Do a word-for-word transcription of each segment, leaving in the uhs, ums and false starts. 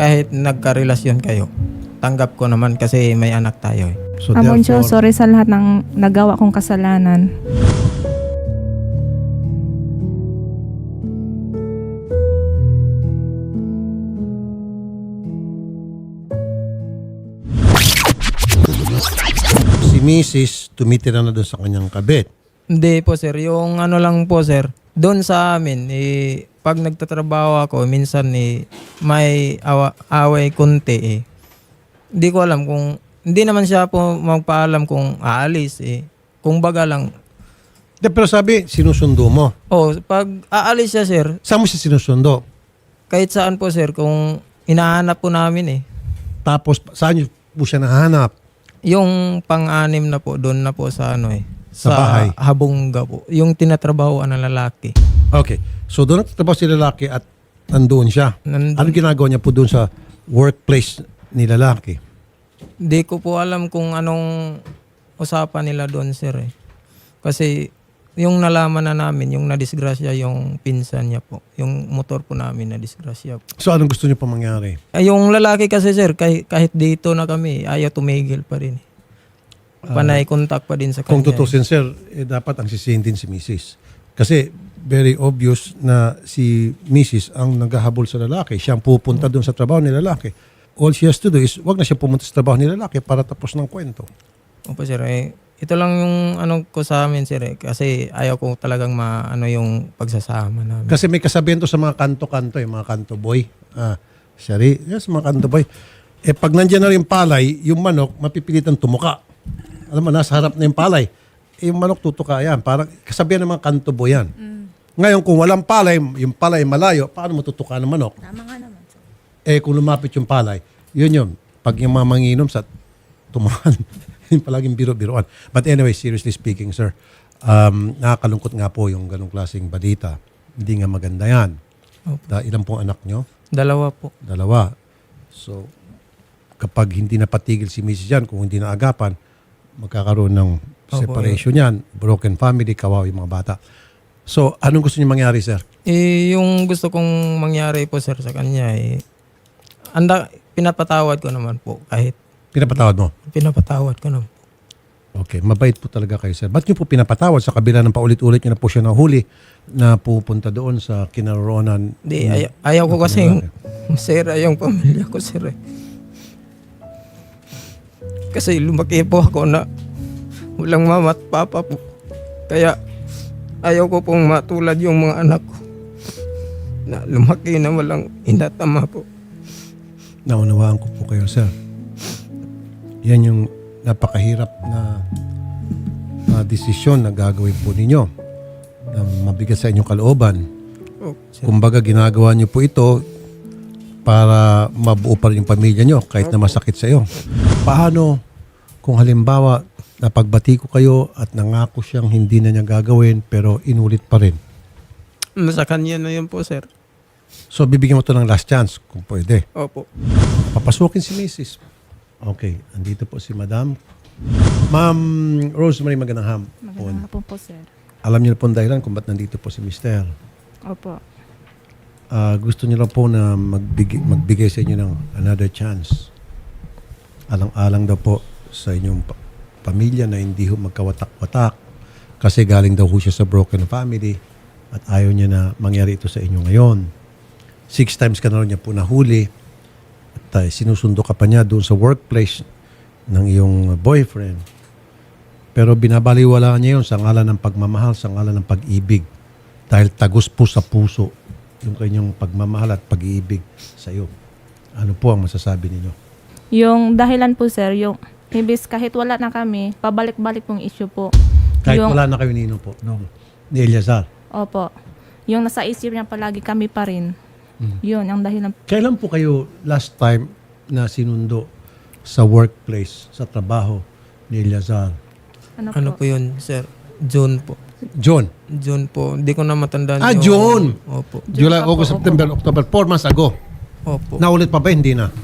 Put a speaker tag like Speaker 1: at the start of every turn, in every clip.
Speaker 1: kahit nagkarelasyon kayo, tanggap ko naman kasi may anak tayo eh.
Speaker 2: So
Speaker 3: Amoncho,
Speaker 2: therefore,
Speaker 3: sorry sa lahat ng nagawa kong kasalanan.
Speaker 2: si Missus tumitira na doon sa kanyang kabit.
Speaker 1: Hindi po sir, yung ano lang po sir, doon sa amin, eh, pag nagtatrabaho ako, minsan eh, may awa, away kunti eh. Hindi ko alam kung, hindi naman siya po magpaalam kung aalis eh. Kung baga lang,
Speaker 2: De, pero sabi, sinusundo mo.
Speaker 1: oh, pag aalis siya sir,
Speaker 2: Saan mo siya sinusundo?
Speaker 1: kahit saan po sir, kung hinahanap po namin eh.
Speaker 2: Tapos, saan niyo po siya nahanap?
Speaker 1: Yung pang-anim na po, doon na po sa ano eh.
Speaker 2: Sa bahay?
Speaker 1: Habongga po. Yung tinatrabahoan ng lalaki.
Speaker 2: Okay. So, doon nagtatrabaho si lalaki at nandoon siya.
Speaker 1: Nandun.
Speaker 2: Ano ginagawa niya po doon sa workplace ni lalaki?
Speaker 1: Di ko po alam kung anong usapan nila doon, sir. Eh. Kasi yung nalaman na namin, yung nadisgrasya yung pinsan niya po. Yung motor po namin nadisgrasya po.
Speaker 2: So, anong gusto niyo pa mangyari?
Speaker 1: Ay, yung lalaki kasi, sir, kahit, kahit dito na kami, ayaw tumigil pa rin. Panay contact pa din sa
Speaker 2: Kung
Speaker 1: kanya.
Speaker 2: tutusin, sir, eh, dapat ang sisihin din si Missus Kasi, very obvious na si Missus ang naghahabol sa lalaki. Siya ang pupunta doon sa trabaho ni lalaki. All she has to do is, wag na siya pumunta sa trabaho ni lalaki para tapos ng kwento.
Speaker 1: Opo, sir. Eh, ito lang yung ano ko sa amin, sir. Eh, kasi ayaw ko talagang maano yung pagsasama namin.
Speaker 2: Kasi may kasabihan to sa mga kanto-kanto, eh, mga kanto boy. Ah, Shari, yes, mga kanto boy. Eh, pag nandiyan na rin palay, yung manok, mapipilitan tumuka. Alam mo, nasa harap na yung palay. Eh, yung manok tutuka yan. Parang kasabihan ng mga kanto boy yan. Ngayon, kung walang palay, yung palay malayo, paano matutuka ng manok?
Speaker 4: Tama nga naman.
Speaker 2: Eh, kung lumapit yung palay, yun yun. Pag yung mga manginom sa tumahan, yung palaging biro-biroan. But anyway, seriously speaking, sir, um, nakakalungkot nga po yung ganong klaseng balita. Hindi nga maganda yan.
Speaker 1: Opo.
Speaker 2: Da, ilan pong anak nyo?
Speaker 1: Dalawa po.
Speaker 2: Dalawa. So, kapag hindi napatigil si Missus yan, kung hindi naagapan, magkakaroon ng separation yan, broken family, kawawa yung mga bata. So, anong gusto niyo mangyari, sir?
Speaker 1: Eh, yung gusto kong mangyari po, sir, sa kanya, eh, anda, pinapatawad ko naman po. Kahit
Speaker 2: Pinapatawad mo?
Speaker 1: pinapatawad ko naman.
Speaker 2: Okay, mabait po talaga kayo, sir. Ba't niyo po pinapatawad sa kabila ng paulit-ulit niyo na po siya nahuli na pupunta doon sa kinaroonan?
Speaker 1: Di,
Speaker 2: ng-
Speaker 1: ayaw, ayaw ko
Speaker 2: ng
Speaker 1: kasi
Speaker 2: lalaki?
Speaker 1: masira yung pamilya ko, sir. Eh. Kasi lumaki po ako na walang mama at papa po. Kaya ayaw ko pong matulad yung mga anak ko na lumaki na walang inatama po.
Speaker 2: Naunawaan ko po kayo, sir. Yan yung napakahirap na uh, desisyon na gagawin po ninyo na mabigat sa inyong kalooban.
Speaker 1: Oh, sir.
Speaker 2: Kumbaga, ginagawa niyo po ito para mabuo pa rin yung pamilya niyo kahit na masakit sa iyo. Paano kung halimbawa napagbati ko kayo at nangako siyang hindi na niya gagawin pero inulit pa rin?
Speaker 1: Sa kanya na yun po, sir.
Speaker 2: So, bibigyan mo to ng last chance kung pwede.
Speaker 1: Opo.
Speaker 2: Papasukin si Missus Okay, andito po si Madam. Ma'am Rosemary, magandang hapon.
Speaker 3: Magandang hapon po, sir.
Speaker 2: Alam niyo na po ang dahilan kung ba't nandito po si Mister
Speaker 3: Opo.
Speaker 2: Ah, gusto niyo lang po na magbigay, magbigay sa inyo ng another chance. Alang-alang daw po sa inyong pa- pamilya na hindi ho magkawatak-watak kasi galing daw ho siya sa broken family at ayaw niya na mangyari ito sa inyo ngayon. Six times ka na rin niya po nahuli at uh, sinusundo ka pa niya doon sa workplace ng iyong boyfriend. Pero binabaliwala niya yun sa ngalan ng pagmamahal, sa ngalan ng pag-ibig. Dahil tagos po sa puso yung kanyang pagmamahal at pag-ibig sa iyo. Ano po ang masasabi ninyo?
Speaker 3: Yung dahilan po, sir, yung ibis kahit wala na kami, pabalik-balik pong issue po.
Speaker 2: Kahit
Speaker 3: yung,
Speaker 2: wala na kayo nino po, no? Ni Eliazar.
Speaker 3: Opo. Yung nasa isip niya palagi kami pa rin.
Speaker 2: Hmm.
Speaker 3: Yun, ang dahilan.
Speaker 2: Kailan po kayo last time na sinundo sa workplace, sa trabaho ni Eliazar?
Speaker 3: Ano,
Speaker 1: Ano
Speaker 3: po?
Speaker 1: po yun, sir? June po.
Speaker 2: John.
Speaker 1: June po. Hindi ko na matandaan.
Speaker 2: Ah,
Speaker 1: yung-
Speaker 2: June!
Speaker 1: Opo.
Speaker 2: July,
Speaker 3: pa po,
Speaker 2: August,
Speaker 3: opo.
Speaker 2: September, October. Four months ago.
Speaker 1: Opo.
Speaker 2: Naulit pa ba? Hindi na.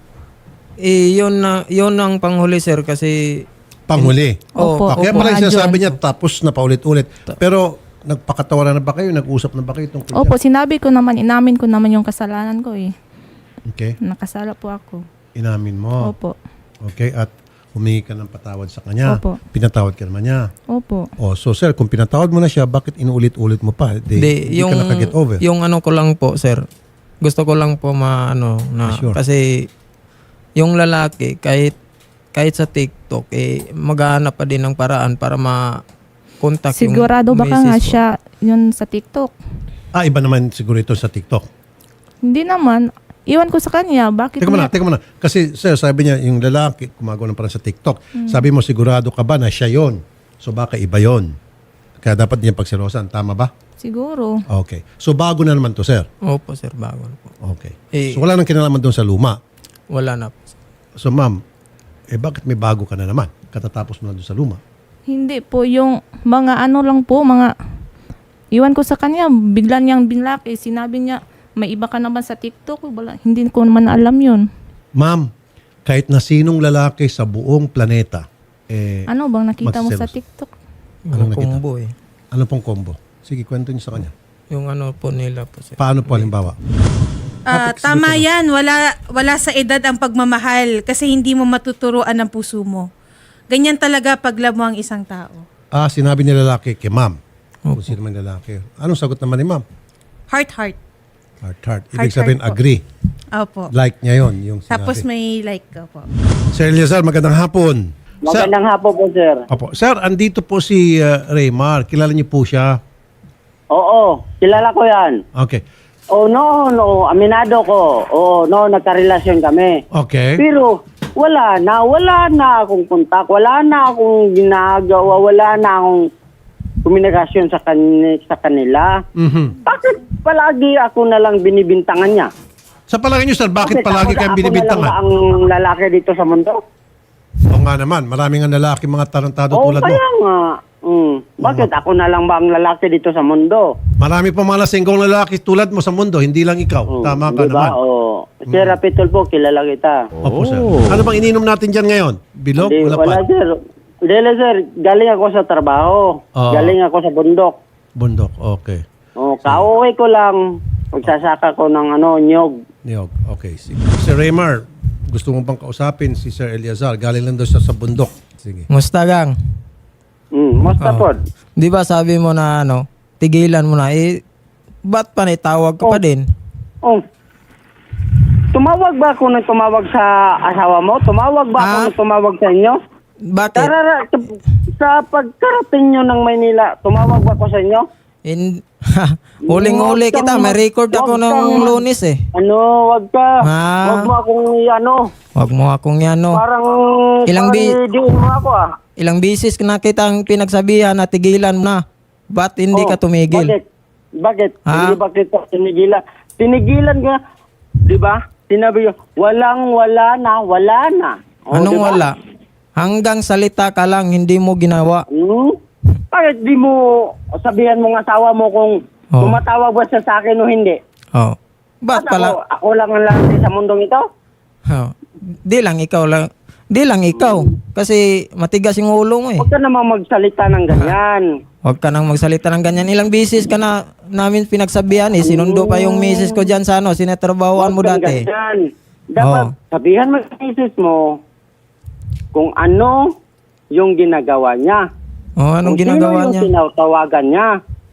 Speaker 1: Eh, yun na, yun ang panghuli, sir, kasi
Speaker 2: Panghuli.
Speaker 3: Opo,
Speaker 2: Ah, kaya
Speaker 3: opo.
Speaker 2: pala yung
Speaker 3: Ah,
Speaker 2: sinasabi
Speaker 3: John.
Speaker 2: niya tapos na paulit-ulit. Pero nagpakatawaran na ba kayo? Nag-usap na ba kayo tungkol
Speaker 3: Opo,
Speaker 2: dyan?
Speaker 3: sinabi ko naman, inamin ko naman yung kasalanan ko eh.
Speaker 2: Okay?
Speaker 3: Nakasala po ako.
Speaker 2: Inamin mo.
Speaker 3: Opo.
Speaker 2: Okay? At humingi ka ng patawad sa kanya.
Speaker 3: Opo.
Speaker 2: Pinatawad ka naman niya.
Speaker 3: Opo.
Speaker 2: Oh, so sir, kung pinatawad mo na siya, bakit inuulit-ulit mo pa? Di,
Speaker 1: Di,
Speaker 2: di
Speaker 1: yung,
Speaker 2: ka nakaget over.
Speaker 1: yung ano ko lang po, sir. Gusto ko lang po ma, ano, na,
Speaker 2: Sure.
Speaker 1: kasi yung lalaki, kahit, kahit sa TikTok, eh, maghahanap pa din ng paraan para ma-contact
Speaker 3: Sigurado
Speaker 1: yung
Speaker 3: baka nga
Speaker 1: misis ko.
Speaker 3: siya yun sa TikTok?
Speaker 2: Ah, iba naman siguro ito sa TikTok.
Speaker 3: Hindi naman. Iwan ko sa kanya. Bakit
Speaker 2: Teka muna,
Speaker 3: niya-
Speaker 2: teka muna. Kasi sir, sabi niya, yung lalaki, gumagawa ng parang sa TikTok.
Speaker 3: Hmm.
Speaker 2: Sabi mo, sigurado ka ba na siya yon? So baka iba yon. Kaya dapat niya pagselosan. Tama ba?
Speaker 3: Siguro.
Speaker 2: Okay. So bago na naman to, sir.
Speaker 1: Opo, sir, bago na po.
Speaker 2: Okay.
Speaker 1: Eh,
Speaker 2: So wala nang kinalaman doon sa luma.
Speaker 1: wala na po. sir.
Speaker 2: So ma'am, eh bakit may bago ka na naman? Katatapos mo na doon sa luma.
Speaker 3: Hindi po. Yung mga ano lang po, mga... Iwan ko sa kanya. Bigla niyang binlaki. Sinabi niya, may iba ka naman sa TikTok. Wala, hindi ko naman alam yun.
Speaker 2: Ma'am, kahit na sinong lalaki sa buong planeta, eh,
Speaker 3: Ano bang nakita mo sa
Speaker 2: Magselos.
Speaker 3: TikTok?
Speaker 2: Anong
Speaker 1: Yung
Speaker 2: nakita?
Speaker 1: combo eh.
Speaker 2: ano pong combo? Sige, kwento niyo sa kanya.
Speaker 1: Yung ano po nila po, sir.
Speaker 2: Paano po halimbawa?
Speaker 4: Ah, tama yan. Wala, wala sa edad ang pagmamahal kasi hindi mo matuturuan ang puso mo. Ganyan talaga pag love mo ang isang tao.
Speaker 2: Ah, sinabi ni lalaki kay ma'am. Kung sino man lalaki. Anong sagot naman ni ma'am?
Speaker 4: Heart, heart.
Speaker 2: Heart, heart. Ibig
Speaker 4: Heart,
Speaker 2: sabihin,
Speaker 4: heart po.
Speaker 2: agree.
Speaker 4: Opo.
Speaker 2: Like niya yon yung sinabi.
Speaker 4: Tapos may like ka po.
Speaker 2: Sir Eliazar, magandang hapon. Sir,
Speaker 5: Magandang hapon po, sir.
Speaker 2: opo. Sir, andito po si uh, Raymar. Kilala niyo po siya?
Speaker 5: Oo, kilala ko yan.
Speaker 2: Okay.
Speaker 5: Oh, no, no, aminado ko. Oo, no, nagkarelasyon kami.
Speaker 2: Okay.
Speaker 5: Pero wala na, wala na akong kontak, wala na akong ginagawa, wala na akong komunikasyon sa, kan- sa kanila.
Speaker 2: Mhm.
Speaker 5: Bakit palagi ako na lang binibintangan niya?
Speaker 2: Sa palagay niyo, sir, bakit palagi
Speaker 5: ako,
Speaker 2: kayong
Speaker 5: ako na lang
Speaker 2: binibintangan?
Speaker 5: ba ang lalaki dito sa mundo?
Speaker 2: Oo nga naman. Maraming nga lalaki, mga tarantado
Speaker 5: Oo,
Speaker 2: tulad mo.
Speaker 5: kaya nga. Mm. Bakit ako na lang ba ang lalaki dito sa mundo?
Speaker 2: Marami pa mga lasinggong lalaki tulad mo sa mundo, hindi lang ikaw.
Speaker 5: Mm,
Speaker 2: Tama ka
Speaker 5: diba?
Speaker 2: naman.
Speaker 5: Oo. Sir Rapitol po, kilala kita.
Speaker 2: Opo, sir. Ano bang ininom natin dyan ngayon? Bilog?
Speaker 5: Hindi,
Speaker 2: Wala
Speaker 5: wala,
Speaker 2: pa?
Speaker 5: sir. Hindi, sir. Galing ako sa trabaho.
Speaker 2: Oo.
Speaker 5: Galing ako sa bundok.
Speaker 2: Bundok, okay.
Speaker 5: Oh, kauwi ko lang. Pagsasaka ko ng ano, nyog.
Speaker 2: Niyog, okay. Sige. Sir Raymar, gusto mo bang kausapin si Sir Eliazar? Galing lang daw siya sa bundok. Sige.
Speaker 1: Musta gang?
Speaker 5: Mm, musta
Speaker 1: Oo.
Speaker 5: po?
Speaker 1: Di ba sabi mo na ano, tigilan mo na, eh, ba't pa tawag ka pa
Speaker 5: Oh.
Speaker 1: din?
Speaker 5: Oh. Tumawag ba ako nang tumawag sa asawa mo? Tumawag ba ako
Speaker 1: Ah?
Speaker 5: nang tumawag sa inyo?
Speaker 1: Bakit?
Speaker 5: Tarara, sa, sa pagkarating nyo ng Maynila, tumawag ba ako sa inyo?
Speaker 1: In, huling-huli
Speaker 5: Huwag
Speaker 1: kita,
Speaker 5: kang-
Speaker 1: may record ako
Speaker 5: huwag
Speaker 1: ng
Speaker 5: kang-
Speaker 1: lunes eh.
Speaker 5: Ano, wag ka.
Speaker 1: Ah.
Speaker 5: Wag mo akong ano.
Speaker 1: Wag mo akong yan, no.
Speaker 5: Parang,
Speaker 1: Ilang
Speaker 5: parang
Speaker 1: bi-
Speaker 5: diin mo ako ah.
Speaker 1: Ilang bisis na kitang pinagsabihan na tigilan mo na. Ba't hindi
Speaker 5: Oh,
Speaker 1: ka tumigil?
Speaker 5: Bakit? Bakit?
Speaker 1: Ha?
Speaker 5: Hindi ba kita tinigilan? Tinigilan ka, di ba? Sinabi ko, walang wala na, wala na. O,
Speaker 1: Anong
Speaker 5: di ba?
Speaker 1: wala? Hanggang salita ka lang, hindi mo ginawa.
Speaker 5: Hmm? Bakit di mo sabihan mong asawa mo kung
Speaker 1: Oh.
Speaker 5: tumatawag ba siya sa akin o hindi?
Speaker 1: Oh. Ba't
Speaker 5: Ako,
Speaker 1: pala?
Speaker 5: ako lang ang lalaki sa mundong ito?
Speaker 1: Oh. Di lang ikaw lang. Di lang ikaw. Kasi matigas yung ulo mo eh.
Speaker 5: Huwag ka naman magsalita ng ganyan.
Speaker 1: Huwag ka nang magsalita ng ganyan. Ilang bisis ka na namin pinagsabihan eh. Sinundo pa yung misis ko dyan sa ano. Sinetrabahoan mo
Speaker 5: Huwag kang
Speaker 1: dati.
Speaker 5: ganyan. Dapat
Speaker 1: Oh.
Speaker 5: sabihan mo sa misis mo kung ano yung ginagawa niya.
Speaker 1: Oh, anong
Speaker 5: Kung
Speaker 1: ginagawa
Speaker 5: sino
Speaker 1: niya?
Speaker 5: yung tinatawagan niya.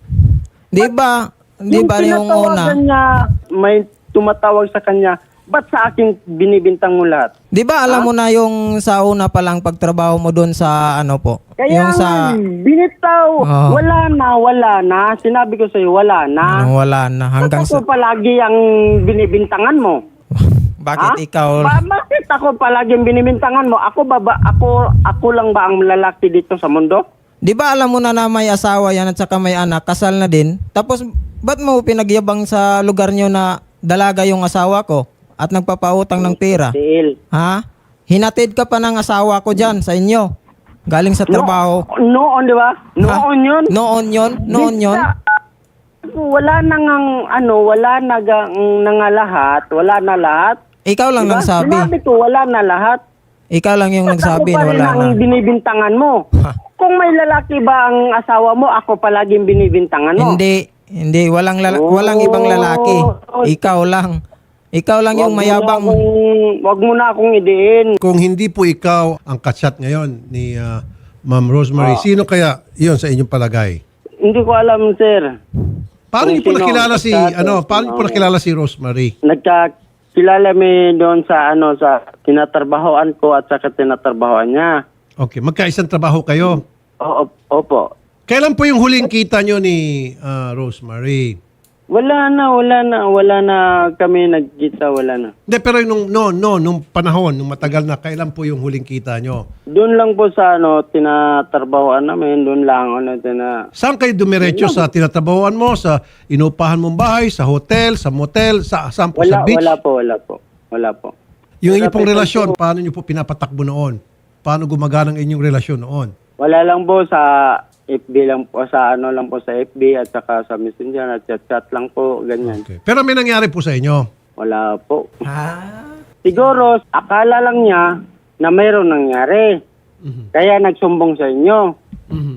Speaker 1: Di ba? Di ba yung
Speaker 5: tinatawagan
Speaker 1: una?
Speaker 5: niya, may tumatawag sa kanya, ba't sa akin binibintang mo lahat?
Speaker 1: Di ba alam mo na yung sa una pa lang pagtrabaho mo doon sa ano po?
Speaker 5: Kaya
Speaker 1: yung sa...
Speaker 5: nga, binitaw,
Speaker 1: Oh.
Speaker 5: wala na, wala na. Sinabi ko sa'yo, wala na.
Speaker 1: Ano, wala na. Hanggang
Speaker 5: Ba't
Speaker 1: sa...
Speaker 5: ako palagi ang binibintangan mo?
Speaker 1: Bakit
Speaker 5: Ha?
Speaker 1: ikaw...
Speaker 5: Ba- bakit ako palagi ang binibintangan mo? Ako ba, ba ako, ako lang ba ang lalaki dito sa mundo?
Speaker 1: Di ba alam mo na na may asawa yan at saka may anak, kasal na din? Tapos, ba't mo pinagyabang sa lugar nyo na dalaga yung asawa ko at nagpapautang ng pera?
Speaker 5: Sil.
Speaker 1: Ha? Hinatid ka pa ng asawa ko dyan sa inyo. Galing sa trabaho.
Speaker 5: No, noon, di ba? Noon yun.
Speaker 1: Noon yun? Noon yun?
Speaker 5: Basta, wala na ngang, ano, wala na gang, na nga lahat. Wala na lahat.
Speaker 1: Ikaw lang
Speaker 5: Diba?
Speaker 1: nagsabi.
Speaker 5: Sinabi ko, wala na lahat.
Speaker 1: Ikaw lang yung
Speaker 5: Ba't
Speaker 1: nagsabi
Speaker 5: ako pa
Speaker 1: na
Speaker 5: rin
Speaker 1: wala
Speaker 5: ang
Speaker 1: na.
Speaker 5: binibintangan mo?
Speaker 1: Ha?
Speaker 5: Kung may lalaki ba ang asawa mo, ako palaging binibintangan mo.
Speaker 1: Hindi. Hindi. Walang, lala-
Speaker 5: Oh.
Speaker 1: walang ibang lalaki. Ikaw lang. Ikaw lang yung
Speaker 5: Wag mo na
Speaker 1: mayabang.
Speaker 5: akong- Wag mo na akong idiin.
Speaker 2: Kung hindi po ikaw ang kachat ngayon ni ah, Ma'am Rosemary,
Speaker 5: Ah.
Speaker 2: sino kaya yon sa inyong palagay?
Speaker 5: Hindi ko alam, sir.
Speaker 2: Paano
Speaker 5: Kung
Speaker 2: niyo po
Speaker 5: sino
Speaker 2: nakilala
Speaker 5: ang
Speaker 2: si
Speaker 5: kachat,
Speaker 2: ano, paano niyo po
Speaker 5: sino-
Speaker 2: nakilala si Rosemary?
Speaker 5: Nagkakilala mi doon sa ano sa tinatrabahoan ko at saka tinatrabahoan niya.
Speaker 2: Okay, magkaisang trabaho kayo.
Speaker 5: Oo, opo.
Speaker 2: Kailan po yung huling kita niyo ni ah, Rosemary?
Speaker 5: Wala na, wala na, wala na kami nagkita, wala na.
Speaker 2: Hindi, pero nung, no, no, nung panahon, nung matagal na, kailan po yung huling kita niyo?
Speaker 5: Doon lang po sa ano, tinatrabahoan namin, doon lang ano, tina...
Speaker 2: Saan kayo dumiretso? Sa tinatrabahoan mo? Sa inupahan mong bahay? Sa hotel? Sa motel? Sa, saan po?
Speaker 5: Wala,
Speaker 2: sa beach?
Speaker 5: wala po, wala po. Wala po.
Speaker 2: Yung inyong pong
Speaker 5: Wala po,
Speaker 2: relasyon,
Speaker 5: po.
Speaker 2: paano niyo po pinapatakbo noon? Paano gumagana ang inyong relasyon noon?
Speaker 5: Wala lang po sa F B lang po, sa ano lang po sa F B at saka sa Messenger at chat-chat lang po, ganyan.
Speaker 2: Okay. Pero may nangyari po sa inyo.
Speaker 5: Wala po.
Speaker 1: Ah,
Speaker 5: Siguro, akala lang niya na mayroon nangyari.
Speaker 2: Mhm.
Speaker 5: Kaya nagsumbong sa inyo.
Speaker 2: Mhm.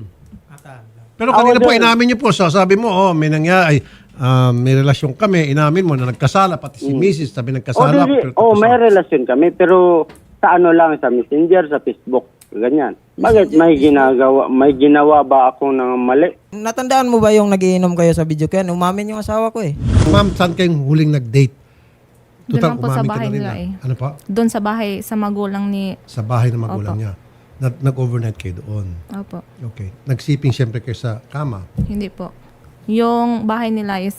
Speaker 2: Pero kanina
Speaker 5: Ako
Speaker 2: po,
Speaker 5: din.
Speaker 2: inamin niyo po, sabi mo, oh, may nangyari, ay, ah, may relasyon kami, inamin mo na nagkasala, pati si Missus sabi
Speaker 5: O,
Speaker 2: nagkasala.
Speaker 5: di-
Speaker 2: pero
Speaker 5: oh,
Speaker 2: tapos-
Speaker 5: may relasyon kami, pero sa ano lang, sa Messenger, sa Facebook, ganyan. Bakit may ginagawa, may ginawa ba ako ng mali?
Speaker 1: natandaan mo ba yung nagiinom kayo sa video kaya umamin yung asawa ko eh.
Speaker 2: Ma'am, saan kayong huling nag-date?
Speaker 3: Doon lang po sa
Speaker 2: umamin ka
Speaker 3: bahay
Speaker 2: na rin
Speaker 3: nila
Speaker 2: na.
Speaker 3: eh.
Speaker 2: Ano pa?
Speaker 3: Doon sa bahay, sa magulang ni...
Speaker 2: Sa bahay ng magulang
Speaker 3: Opo.
Speaker 2: niya. Nag- Nag-overnight kayo doon.
Speaker 3: Opo.
Speaker 2: Okay. Nagsiping siyempre kayo sa kama.
Speaker 3: Hindi po. Yung bahay nila is,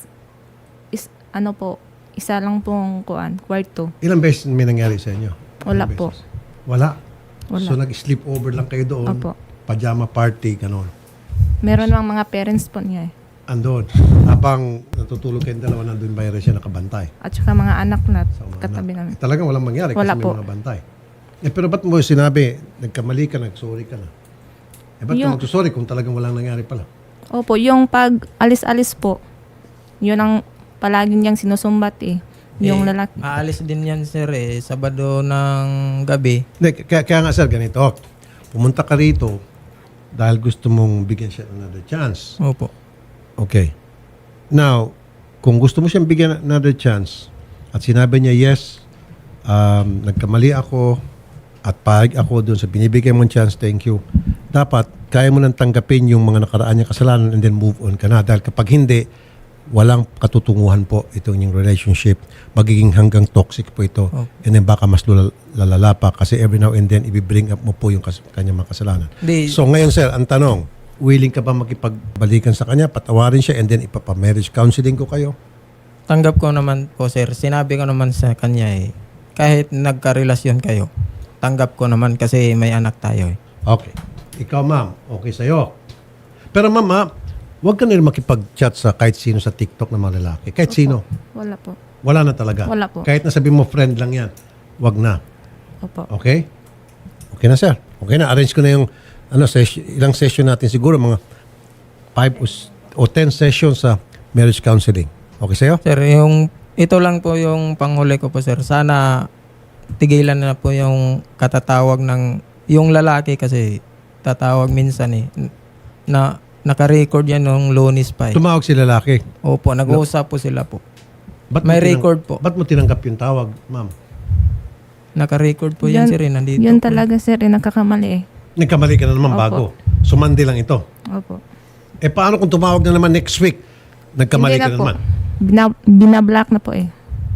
Speaker 3: is ano po, isa lang pong kuan, kwarto.
Speaker 2: Ilang beses may nangyari sa inyo?
Speaker 3: Wala
Speaker 2: Ilang
Speaker 3: po.
Speaker 2: beses? Wala?
Speaker 3: Wala.
Speaker 2: So nag-sleep over lang kayo doon?
Speaker 3: Opo.
Speaker 2: Pajama party, ganon.
Speaker 3: Meron lang mga parents po niya eh.
Speaker 2: Andon. Habang natutulog kayong dalawa, nandun ba siya nakabantay?
Speaker 3: At saka mga anak na
Speaker 2: Sa mga
Speaker 3: katabi
Speaker 2: anak.
Speaker 3: namin.
Speaker 2: Eh, talagang walang mangyari
Speaker 3: Wala
Speaker 2: kasi may
Speaker 3: po.
Speaker 2: mga bantay. Eh, pero ba't mo sinabi, nagkamali ka, nagsorry ka na? Eh, ba't
Speaker 3: Yung-
Speaker 2: ka magsusorry kung talagang walang nangyari pala?
Speaker 3: Opo, yung pag alis-alis po, yun ang palagi niyang sinusumbat eh. Yung
Speaker 1: Eh,
Speaker 3: lalaki.
Speaker 1: Aalis din yan sir eh, Sabado ng gabi.
Speaker 2: Hindi, kaya, kaya nga sir, ganito. Pumunta ka rito dahil gusto mong bigyan siya ng another chance.
Speaker 1: Opo.
Speaker 2: Okay. Now, kung gusto mo siyang bigyan ng another chance at sinabi niya, yes, um, nagkamali ako at pahig ako doon sa binibigay mong chance, thank you. Dapat, kaya mo nang tanggapin yung mga nakaraan niya kasalanan and then move on ka na. Dahil kapag hindi, walang katutunguhan po itong inyong relationship. Magiging hanggang toxic po ito.
Speaker 1: Oh.
Speaker 2: And then baka mas lula- lalala pa kasi every now and then, i-bring up mo po yung kas- kanyang mga kasalanan.
Speaker 1: Di,
Speaker 2: So ngayon sir, ang tanong, willing ka ba makipagbalikan sa kanya, patawarin siya, and then ipapa-marriage counseling ko kayo?
Speaker 1: tanggap ko naman po sir, sinabi ko naman sa kanya eh, kahit nagkarelasyon kayo, tanggap ko naman kasi may anak tayo eh.
Speaker 2: Okay. Ikaw ma'am, okay sa'yo. Pero ma'am, ha, huwag ka na rin makipag-chat sa kahit sino sa TikTok na mga lalaki. Kahit sino.
Speaker 3: Wala po.
Speaker 2: Wala na talaga.
Speaker 3: Wala po.
Speaker 2: Kahit na sabi mo friend lang yan, wag na.
Speaker 3: Opo.
Speaker 2: Okay? Okay na sir. Okay na. Arrange ko na yung ano, session, ilang session natin siguro, mga five o, s- o ten sessions sa marriage counseling. Okay sa'yo?
Speaker 1: Sir, yung ito lang po yung panghuli ko po sir. Sana tigilan na po yung katatawag ng yung lalaki kasi tatawag minsan eh na naka-record yan nung Lunes pa eh.
Speaker 2: Tumawag si lalaki.
Speaker 1: Opo, nag-uusap po sila po.
Speaker 2: Ba't mo
Speaker 1: May
Speaker 2: tinang-
Speaker 1: record po.
Speaker 2: Ba't mo tinanggap yung tawag, ma'am?
Speaker 1: Naka-record po yan,
Speaker 3: Yan-
Speaker 1: sir eh. Nandito
Speaker 3: Yun
Speaker 1: po.
Speaker 3: talaga sir, eh, nagkakamali eh.
Speaker 2: Nagkamali ka na naman
Speaker 3: Opo.
Speaker 2: bago. Sumandi lang ito.
Speaker 3: Opo.
Speaker 2: Eh paano kung tumawag na naman next week? Nagkamali
Speaker 3: Hindi
Speaker 2: ka
Speaker 3: na
Speaker 2: na
Speaker 3: po.
Speaker 2: naman.
Speaker 3: Bina- binablock na po eh.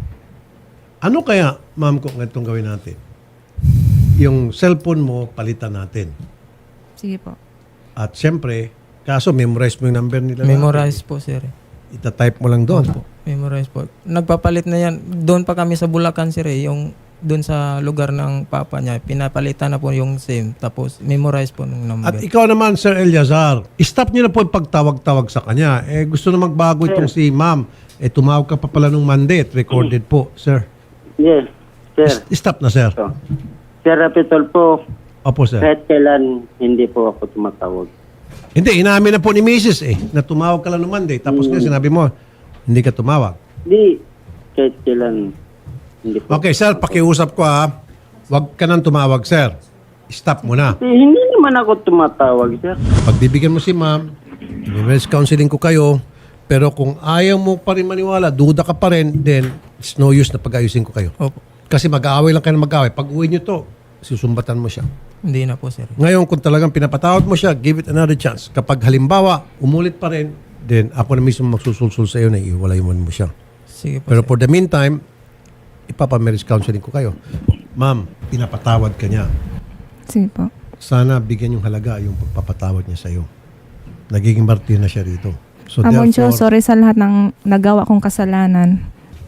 Speaker 2: Ano kaya, ma'am, kung itong gawin natin? Yung cellphone mo, palitan natin.
Speaker 3: Sige po.
Speaker 2: At siyempre, kaso memorize mo yung number nila.
Speaker 1: Memorize po, sir. eh.
Speaker 2: Ita-type mo lang doon.
Speaker 1: Opo, memorize po. Nagpapalit na yan. Doon pa kami sa Bulacan, sir eh. Yung doon sa lugar ng papa niya, pinapalitan na po yung SIM. Tapos memorize po ng number.
Speaker 2: At ikaw naman, Sir Eliazar, stop niyo na po yung pagtawag-tawag sa kanya. Eh, gusto na magbago itong si ma'am. Eh, tumawag ka pa pala nung Monday at recorded po, sir.
Speaker 5: Yes, sir.
Speaker 2: S- Stop na, sir.
Speaker 5: So, Sir Rapitol po,
Speaker 2: Opo, sir.
Speaker 5: kahit kailan hindi po ako tumatawag.
Speaker 2: Hindi, inamin na po ni Missus eh, na tumawag ka lang nung Monday. Tapos nga sinabi mo, hindi ka tumawag.
Speaker 5: Di, kahit kailan hindi po.
Speaker 2: Okay, sir, pakiusap ko ha. Huwag ka nang tumawag, sir. Stop mo na.
Speaker 5: Eh, hindi naman ako tumatawag, sir.
Speaker 2: Pagbibigyan mo si ma'am, i-marriage counseling ko kayo, Pero kung ayaw mo pa rin maniwala, duda ka pa rin, then it's no use na pag-ayusin ko kayo.
Speaker 1: Opo.
Speaker 2: Kasi mag-aaway lang kayo na mag-aaway. Pag uwi nyo to, susumbatan mo siya.
Speaker 1: Hindi na po, sir.
Speaker 2: Ngayon, kung talagang pinapatawad mo siya, give it another chance. Kapag halimbawa, umulit pa rin, then ako na mismo magsusulsul sa iyo na iwalay mo mo siya.
Speaker 1: Sige po,
Speaker 2: Pero
Speaker 1: sir.
Speaker 2: for the meantime, ipapa-marriage counseling ko kayo. Ma'am, pinapatawad ka niya.
Speaker 3: Sige po.
Speaker 2: Sana bigyan yung halaga yung pagpapatawad niya sa iyo. Nagiging martir na siya rito. So
Speaker 3: Amon Diyos,
Speaker 2: therefore,
Speaker 3: sorry sa lahat ng nagawa kong kasalanan.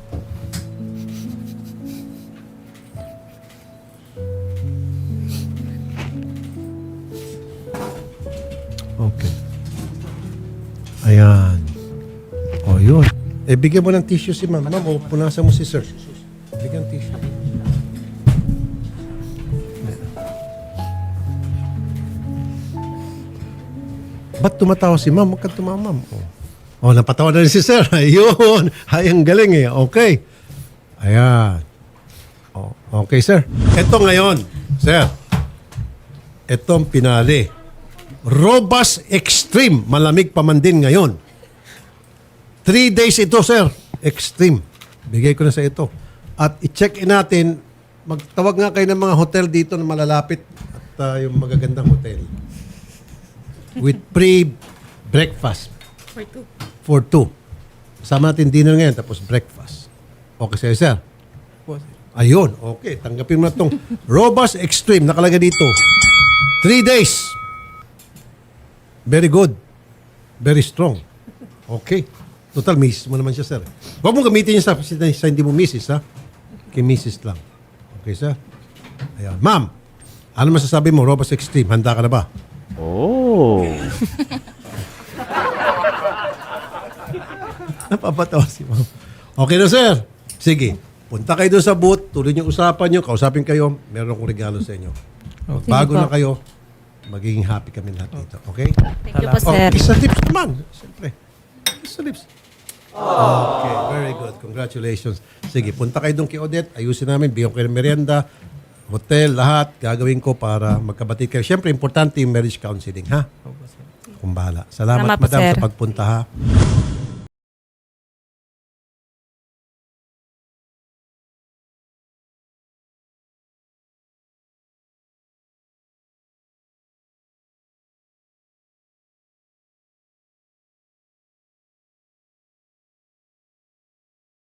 Speaker 2: okay. Ayan. O, yun. Eh, bigyan mo ng tissue si ma'am. Ma'am, o, punasan mo si sir. Bigyan tissue. Ba't tumatawa si ma'am? Huwag kang tumawa, ma'am. O, oh, napatawa na rin si sir. Ayun. Ay, ang galing eh. Okay. Ayan. O, okay, sir. Ito ngayon, sir. Itong pinali. Robust Extreme. Malamig pa man din ngayon. Three days ito, sir. Extreme. Bigay ko na sa ito. At i-check-in natin, magtawag nga kayo ng mga hotel dito na malalapit at uh, yung magagandang hotel. With pre-breakfast.
Speaker 4: For two.
Speaker 2: For two. Sama natin dinner ngayon, tapos breakfast. Okay sa'yo, sir?
Speaker 1: Po, sir.
Speaker 2: Ayun, okay. Tanggapin mo na itong Robust Extreme. Nakalagay dito. Three days. Very good. Very strong. Okay. Total, misis mo naman siya, sir. Huwag mong gamitin niya sa, sa hindi mo misis, ha? Kay misis lang. Okay, sir? Ayan. Ma'am, ano masasabi mo, Robust Extreme? Handa ka na ba?
Speaker 6: Oh.
Speaker 2: Napapatawa si ma'am. Okay na, sir. Sige. Punta kayo doon sa booth. Tuloy niyo usapan niyo. Kausapin kayo. Meron akong regalo sa inyo. Bago
Speaker 3: Sige po.
Speaker 2: na kayo, magiging happy kami lahat dito. Okay?
Speaker 3: Thank you po,
Speaker 2: Oh,
Speaker 3: sir.
Speaker 2: kiss sa lips naman. Siyempre. Kiss sa lips. Okay, very good. Congratulations. Sige, punta kayo doon kay Odette. Ayusin namin. Bigyan ko kayo ng merienda, hotel, lahat. Gagawin ko para magkabati kayo. Siyempre, importante yung marriage counseling, ha?
Speaker 1: Opo, sir.
Speaker 2: Kung bahala. Salamat,
Speaker 3: Salamat po,
Speaker 2: madam,
Speaker 3: sir.
Speaker 2: sa pagpunta, ha?